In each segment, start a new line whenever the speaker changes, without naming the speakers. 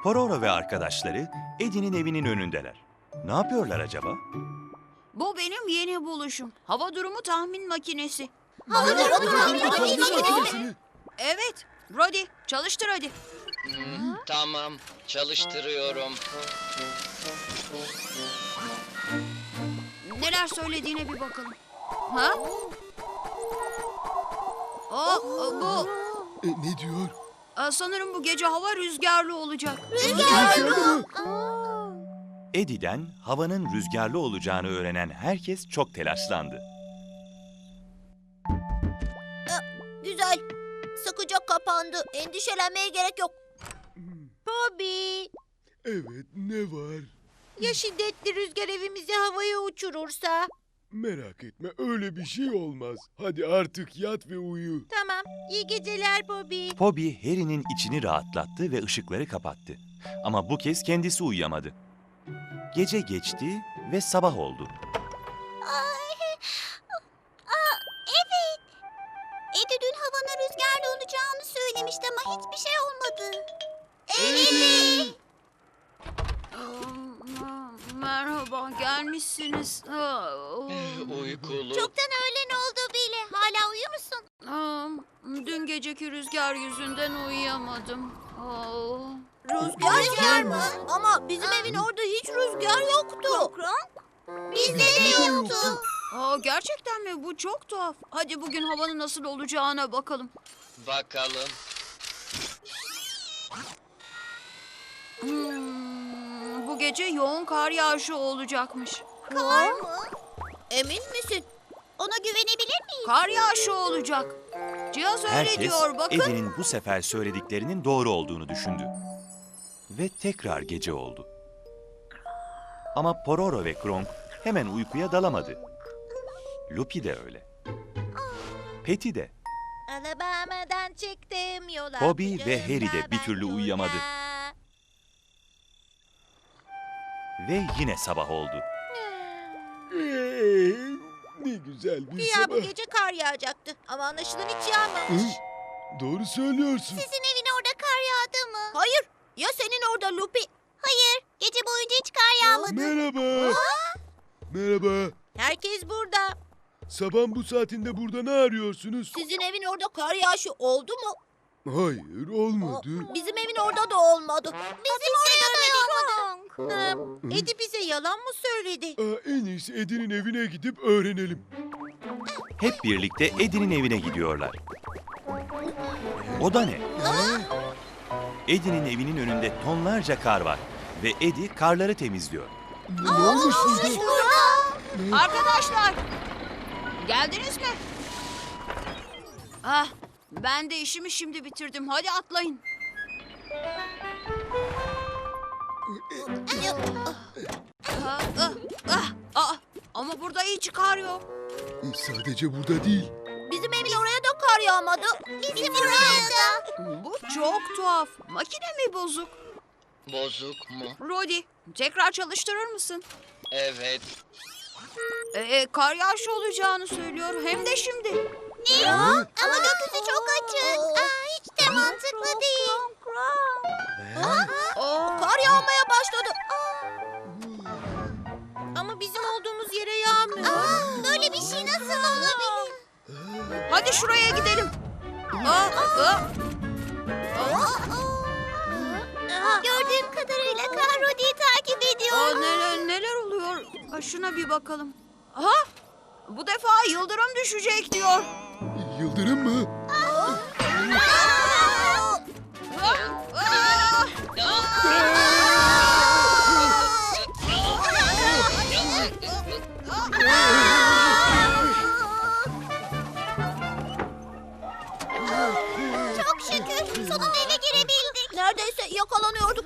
Pororo ve arkadaşları Eddie'nin evinin önündeler. Ne yapıyorlar acaba?
Bu benim yeni buluşum. Hava durumu tahmin makinesi. Evet, Brody çalıştır hadi.
Tamam, çalıştırıyorum.
Neler söylediğine bir bakalım. Ha? Bu
Ne diyor?
sanırım bu gece hava rüzgarlı olacak.
Eddie'den havanın rüzgarlı olacağını öğrenen herkes çok telaşlandı.
Güzel. Sıkıca kapandı. Endişelenmeye gerek yok. Bobby,
Evet, ne var?
ya şiddetli rüzgar evimizi havaya uçurursa?
Merak etme, öyle bir şey olmaz. Hadi artık yat ve uyu.
Tamam. İyi geceler Bobby.
Bobby, Harry'nin içini rahatlattı ve ışıkları kapattı. Ama bu kez kendisi uyuyamadı. Gece geçti ve sabah oldu.
Evet. Eddie dün havanın rüzgarlı olacağını söylemişti ama hiçbir şey olmadı. Eddie!
Merhaba, gelmişsiniz.
Uykulu.
Çoktan öğlen oldu bile. Hala uyuyor musun?
Dün geceki rüzgar yüzünden uyuyamadım.
Rüzgar mı? Ama bizim evin orada hiç rüzgar yoktu. Bizde de yoktu.
Gerçekten mi? Bu çok tuhaf. Hadi bugün havanın nasıl olacağına bakalım.
Bakalım.
Bu gece yoğun kar yağışı olacakmış.
Kar mı? Emin misin? Ona güvenebilir miyiz?
Kar yağışı olacak. Cihaz öyle
Herkes
diyor, bakın.
Eddie'nin bu sefer söylediklerinin doğru olduğunu düşündü. Ve tekrar gece oldu. Ama Pororo ve Kronk hemen uykuya dalamadı. Lupi de öyle. Petty de.
Alabama'dan çıktım yola.
Bobby ve Harry de bir türlü uyuyamadı. Ve yine sabah oldu.
Ne güzel bir
Güya
sabah.
bu gece kar yağacaktı ama anlaşılan hiç yağmamış.
Doğru söylüyorsun.
Sizin evin orada kar yağdı mı? Hayır. Ya senin orada Lupi? Hayır. Gece boyunca hiç kar yağmadı.
Merhaba. Merhaba.
Herkes burada.
Sabahın bu saatinde burada ne arıyorsunuz?
Sizin evin orada kar yağışı oldu mu?
Hayır, olmadı.
Bizim evin orada da olmadı. Bizim orada da olmadı. Eddie bize yalan mı söyledi?
En iyisi Eddie'nin evine gidip öğrenelim.
Hep birlikte Eddie'nin evine gidiyorlar. O da ne? Eddie'nin evinin önünde tonlarca kar var. Ve Eddie karları temizliyor.
Ne olmuş burada?
Arkadaşlar, geldiniz mi? Ben de işimi şimdi bitirdim. Hadi atlayın. Ama burada hiç kar yok.
Sadece burada değil.
Bizim evin oraya da kar yağmadı. Bizim oraya da.
Bu çok tuhaf. Makine mi bozuk?
Bozuk mu?
Rodi, tekrar çalıştırır mısın?
Evet.
Kar yağışı olacağını söylüyor. Hem de şimdi.
Ne? Ama gökyüzü çok açık. Hiç de mantıklı değil. Kar yağmaya başladı. Ama bizim olduğumuz yere yağmıyor. Böyle bir şey nasıl olabilir?
Hadi şuraya gidelim.
Gördüğüm kadarıyla kar Rodi'yi takip ediyor.
Neler oluyor? Şuna bir bakalım. Bu defa yıldırım düşecek diyor.
Yıldırım mı?
Çok şükür sonunda eve girebildik. Neredeyse yakalanıyorduk.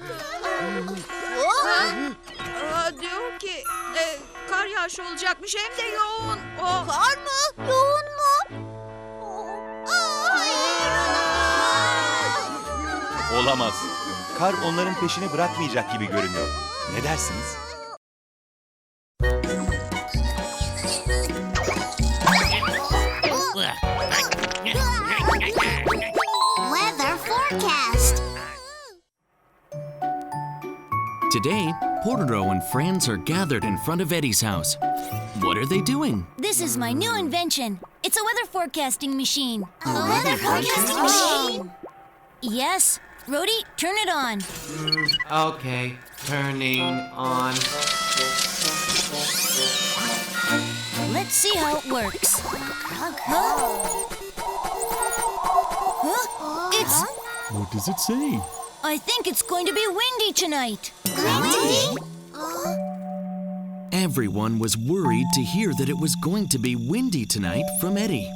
Diyor ki kar yağışı olacakmış hem de yoğun.
Kar mı? Yoğun mu? Hayır.
Olamaz. Kar onların peşini bırakmayacak gibi görünüyor. Ne dersiniz?
Weather forecast.
Today, Portoro and friends are gathered in front of Eddie's house. What are they doing?
This is my new invention. It's a weather forecasting machine.
A weather forecasting machine?
Yes. Rhodey, turn it on.
Okay, turning on.
Let's see how it works. Huh? It's...
What does it say?
I think it's going to be windy tonight.
Windy?
Everyone was worried to hear that it was going to be windy tonight from Eddie.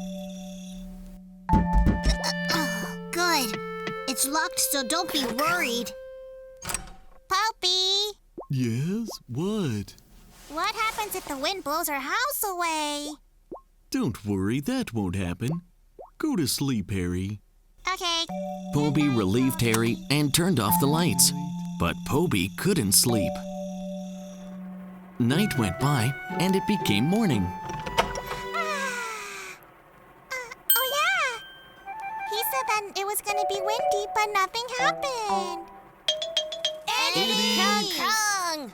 Good. It's locked, so don't be worried. Poppy,
Yes? What?
what happens if the wind blows our house away?
Don't worry, that won't happen. Go to sleep, Harry.
Okay.
Poby relieved Harry and turned off the lights. But Poby couldn't sleep. Night went by and it became morning.
Oh, yeah. He said that it was going to be windy, but nothing happened. Eddie! Krung!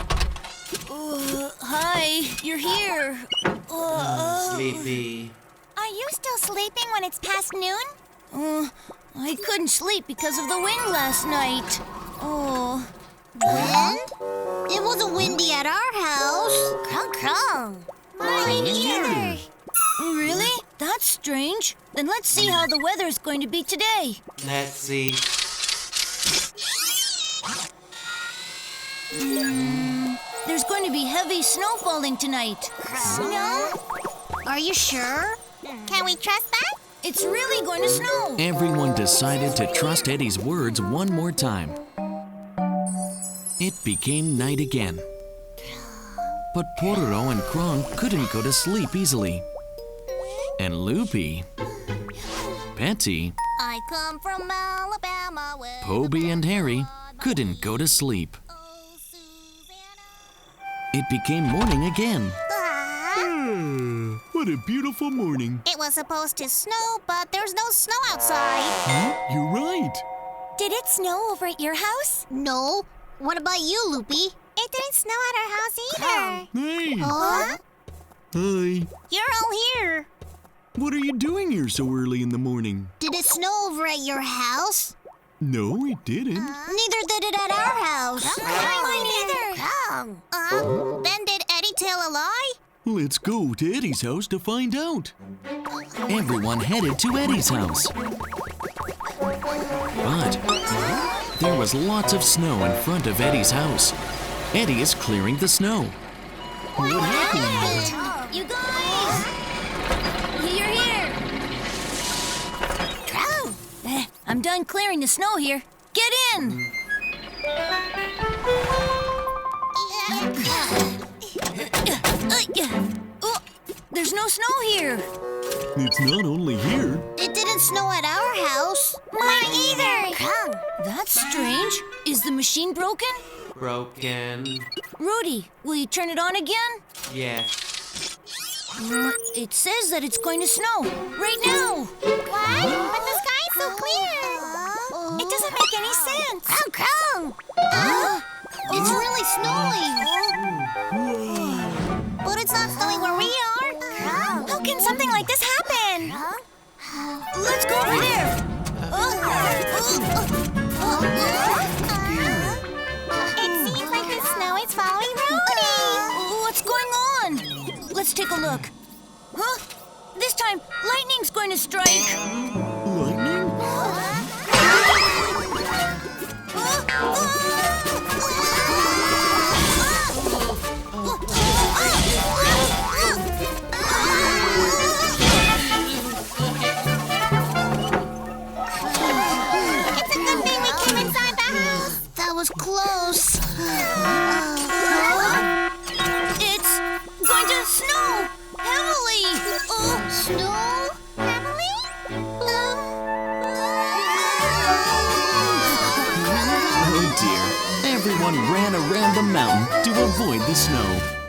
Hi, you're here.
Sleepy.
Are you still sleeping when it's past noon?
I couldn't sleep because of the wind last night. Oh.
Wind? It wasn't windy at our house. Krung, krung. Mine either.
Really? That's strange. Then let's see how the weather's going to be today.
Let's see.
There's going to be heavy snow falling tonight.
Snow? Are you sure? Can we trust that?
It's really going to snow.
Everyone decided to trust Eddie's words one more time. It became night again. But Portoro and Krong couldn't go to sleep easily. And Loopy, Petty,
I come from Alabama where
Poby, and Harry couldn't go to sleep.
Oh, Susanna.
It became morning again.
Ah,
What a beautiful morning.
it was supposed to snow, but there's no snow outside.
You're right.
Did it snow over at your house?
No. What about you, Loopy? It didn't snow at our house either.
Hey.
Huh?
Hi.
You're all here.
What are you doing here so early in the morning?
Did it snow over at your house?
No, it didn't.
Neither did it at our house. Mine either. Then did Eddie tell a lie?
Let's go to Eddie's house to find out. Everyone headed to Eddie's house. But there was lots of snow in front of Eddie's house. Eddie is clearing the snow. What happened?
You guys! You're here! I'm done clearing the snow here. Get in! Oh, there's no snow here.
It's not only here.
It didn't snow at our house. Mine either.
That's strange. Is the machine broken?
Broken.
Rudy, will you turn it on again?
Yes.
It says that it's going to snow right now.
What? But the sky's so clear. It doesn't make any sense. Krung, krung. It's really snowing. But it's not snowing where we are. How can something like this happen?
Let's go over there.
It seems like the snow is following Rudy.
What's going on? Let's take a look. Huh? This time, lightning's going to strike.
Lightning?
It's a good thing we came inside the house. That was close.
It's going to snow heavily.
Snow? Heavily?
Oh dear. Everyone ran around the mountain to avoid the snow.